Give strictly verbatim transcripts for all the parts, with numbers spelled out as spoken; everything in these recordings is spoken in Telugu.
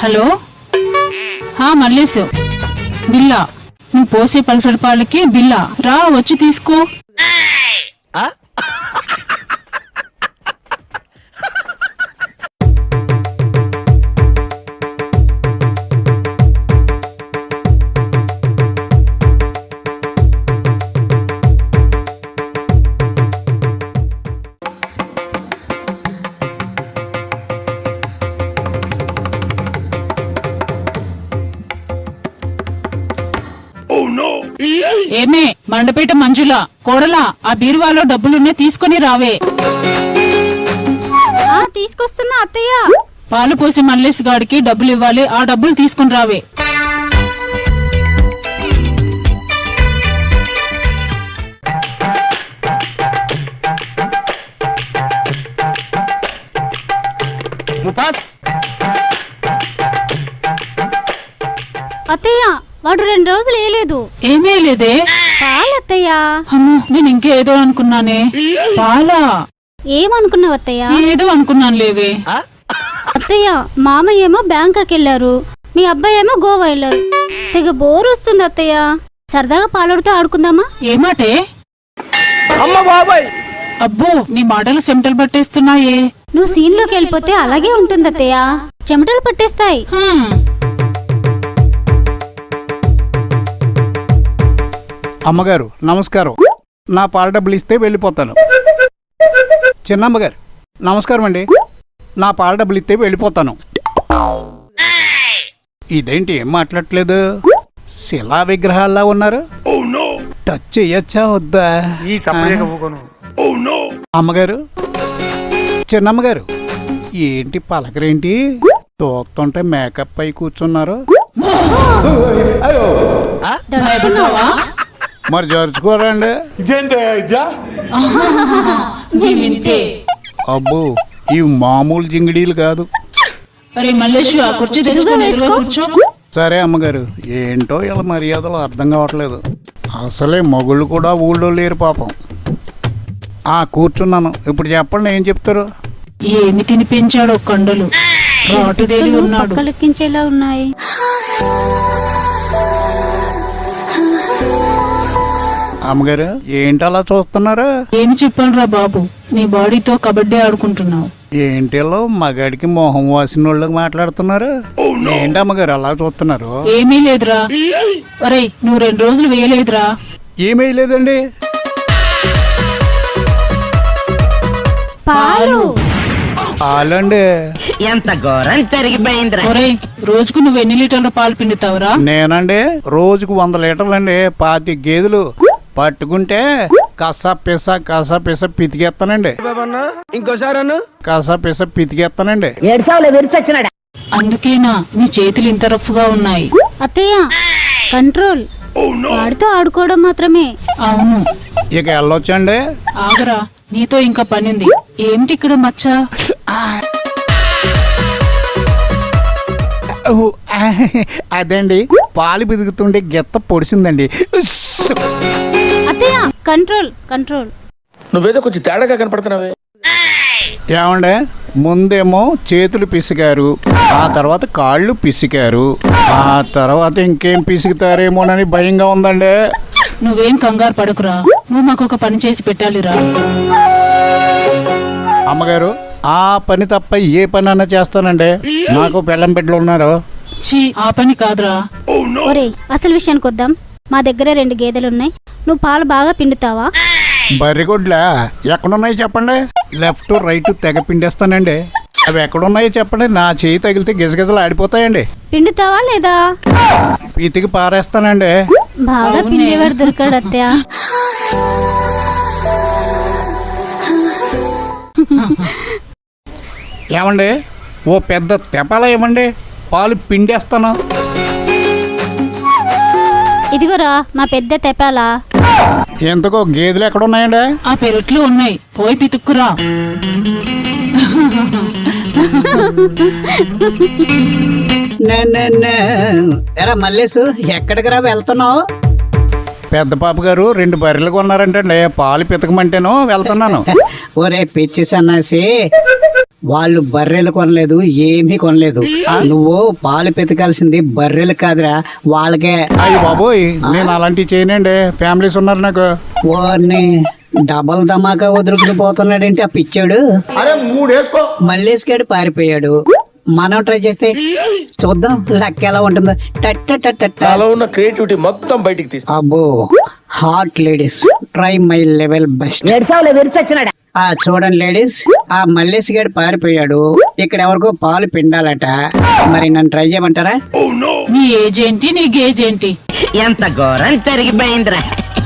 హలో మల్లేశు, బిల్లా నువ్వు పోసే పల్సడి పాలకి బిల్లా రా వచ్చి తీసుకో. ఏమే మండపేట మంజుల కోడలా, ఆ బీరువాలో డబ్బులున్నే తీసుకుని రావే. తీసుకొస్తున్నా అత్తయ్య. పాలు పోసి మల్లేష్ గాడికి డబ్బులు ఇవ్వాలి, ఆ డబ్బులు తీసుకుని రావే. అత్తయ్య వాడు రెండు రోజులు వేయలేదు. ఏమీ లేదే. పాలత్తయ్యా. అమ్మో, నేను ఇంకేదో అనుకున్నానే. పాలా? ఏమనుకున్నావు అత్తయ్య? ఏదో అనుకున్నాను లేవే. అత్తయ్య మామయ్య ఏమో బ్యాంకాకి వెళ్ళారు, మీ అబ్బాయి ఏమో గోవా వెళ్ళారు. తెగ బోర్ వస్తుంది అత్తయ్య, సరదాగా పాలడితో ఆడుకుందామా? ఏమాటే? అబ్బో, నీ మాటలు చెమటలు పట్టేస్తున్నాయే. నువ్వు సీన్ లోకి వెళ్ళిపోతే అలాగే ఉంటుంది అత్తయ్య, చెమటలు పట్టేస్తాయి. అమ్మగారు నమస్కారం, నా పాల డబ్బులు ఇస్తే వెళ్ళిపోతాను. చిన్నమ్మగారు నమస్కారం అండి, నా పాల డబ్బులు ఇస్తే వెళ్ళిపోతాను. ఇదేంటి ఏం మాట్లాడట్లేదు, శిలా విగ్రహాల్లా ఉన్నారు. టచ్ చెయ్యొచ్చా వద్దా? అమ్మగారు, చిన్నమ్మగారు ఏంటి పలకరేంటి, తోక్తుంటే మేకప్ అయి కూర్చున్నారు. మరి జరుచుకోరండి. అబ్బో, ఇవి మామూలు జింగిడీలు కాదు. సరే అమ్మగారు, ఏంటో ఇలా మర్యాదలు అర్థం కావట్లేదు. అసలే మొగుళ్ళు కూడా ఊళ్ళో లేరు పాపం. ఆ కూర్చున్నాను, ఇప్పుడు చెప్పండి ఏం చెప్తారు. ఏమి తినిపించాడో కండలు లెక్కించేలా ఉన్నాయి. అమ్మగారు ఏంటి అలా చూస్తున్నారా? ఏమి చెప్పాలరా బాబు, నీ బాడీతో కబడ్డీ ఆడుకుంటున్నావు. ఏంటిలో మగాడికి మొహం వాసిన వాళ్ళకి మాట్లాడుతున్నారు. ఏంటి అమ్మగారు అలా చూస్తున్నారు? ఏమీ లేదురా. అరే నువ్వు రెండు రోజులు వేయలేదురా. ఏమీ లేదండి. పాలు పాలండి. ఎంత ఘోరం జరిగిపోయింది. ఒరే రోజుకు నువ్వు ఎన్ని లీటర్ల పాలు పిండుతావురా? నేనండి రోజుకు వంద లీటర్లండి. పాతి గేదెలు పట్టుకుంటే కసా పిస కసా పిస పితికేస్తానండి. ఇంకోసారి కసా పిస పితికేస్తానండి. అందుకేనా నీ చేతులు ఇంత రఫ్గా ఉన్నాయి? అత్తయ్య కంట్రోల్, వాడితో ఆడుకోవడం మాత్రమే. అవును, ఇక వెళ్ళొచ్చండి. ఆగరా, నీతో ఇంకా పనింది. ఏమిటి ఇక్కడ మచ్చ? అదండి పాలు బిదుగుతుండే గెత్త పొడిచిందండి. అత్తయ్య కంట్రోల్ కంట్రోల్. నువ్వేదో కొంచెం తేడాగా కనపడుతున్నావే. ఏమండే, ముందేమో చేతులు పిసికారు, ఆ తర్వాత కాళ్ళు పిసికారు, ఆ తర్వాత ఇంకేం పిసుకుతారేమోనని భయంగా ఉందండి. నువ్వేం కంగారు పడకురా, నువ్వు మాకు ఒక పని చేసి పెట్టాలిరా. అమ్మగారు ఆ పని తప్ప ఏ పని అన్నా చేస్తానండి. నాకు బెల్లం బిడ్డలు ఉన్నారు. చీ, ఆ పని కాదురా. ఒరే అసలు విషయానికి వద్దాం. మా దగ్గర రెండు గేదెలున్నాయి, నువ్వు పాలు బాగా పిండుతావా? బర్రిగొడ్లా ఎక్కడున్నాయి చెప్పండి. లెఫ్ట్ రైట్ తెగ పిండేస్తానండి. అవి ఎక్కడున్నాయో చెప్పండి, నా చేయి తగిలితే గిజగిజలు ఆడిపోతాయండి. పిండుతావా లేదా? పీతికి పారేస్తానండి. బాగా పిండేవాడు దొరికాడు అత్తయ్య. ఏమండి, ఓ పెద్ద తెపాల ఇవ్వండి, పాలు పిండేస్తాను. ఇదిగోరా మా పెద్ద తెపాలా. ఎందుకో గేదెలు ఎక్కడ ఉన్నాయండి? ఆ పెరట్లో ఉన్నాయి, పోయి పితుక్కురా. ఎరా మల్లేసు, ఎక్కడికి రా వెళ్తున్నావు? పెద్ద పాప గారు రెండు బర్రెలు కొన్నారంటండి, పాలు పితకమంటేనో వెళ్తున్నాను. ఒరే పిచ్చి సన్నాసి, వాళ్ళు బర్రెలు కొనలేదు, ఏమీ కొనలేదు. నువ్వు పాలు పెతకాల్సింది బర్రెలు కాదురా, వాళ్ళకే. అయ్యి బాబోయ్, నేను అలాంటివి చేయనండి. ఫ్యామిలీస్ ఉన్నారు నాకు. వారిని డబల్ ధమాకా వదులుకుని పోతున్నాడేంటి ఆ పిచ్చాడు. మల్లేసుగాడు పారిపోయాడు. మనం ట్రై చేస్తే చూద్దాం లెక్క ఎలా ఉంటుందో. టట్ట టట్ట టట్ట. నాలో ఉన్న క్రియేటివిటీ మొత్తం బయటికి తీసి అబ్బో, hot ladies, try my level best. ఆ చూడండి లేడీస్, ఆ మల్లేష్ గారు పారిపోయాడు. ఇక్కడ ఎవరికో పాలు పిండాలట. మరి నన్ను ట్రై చేయమంటారా? నీ ఏజ్ ఏంటి, నీ గేజ్ ఏంటి? ఎంత ఘోరం జరిగిపోయిందిరా.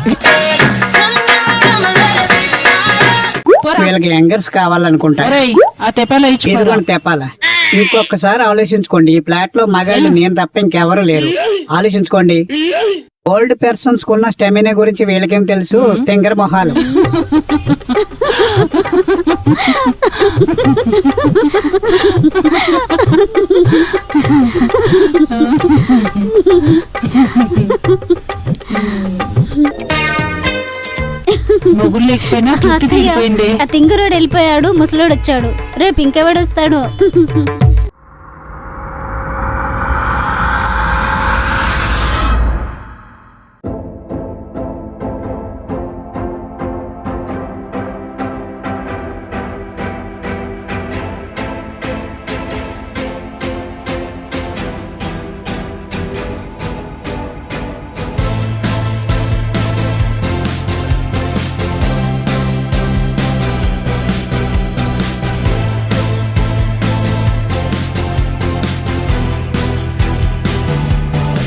వీళ్ళకి యంగర్స్ కావాలనుకుంటా. ఒరేయ్, ఆ తెప్పల ఇదిగోండి తెప్పాల. ఇంకొకసారి ఆలోచించుకోండి. ఈ ప్లాట్ లో మగాళ్ళు నేను తప్ప ఇంకెవరు లేరు. ఆలోచించుకోండి. ఓల్డ్ పర్సన్స్ కున్న స్టెమినా గురించి వీళ్ళకేం తెలుసు? తెంగర మొహాలు. మొగుడు లేకపోయినా చుట్టూ అత్తయ్య, తిరిగిపోయింది. ఆ తింగరోడు వెళ్ళిపోయాడు, ముసలోడు వచ్చాడు. రేపు ఇంకెవడు వస్తాడు?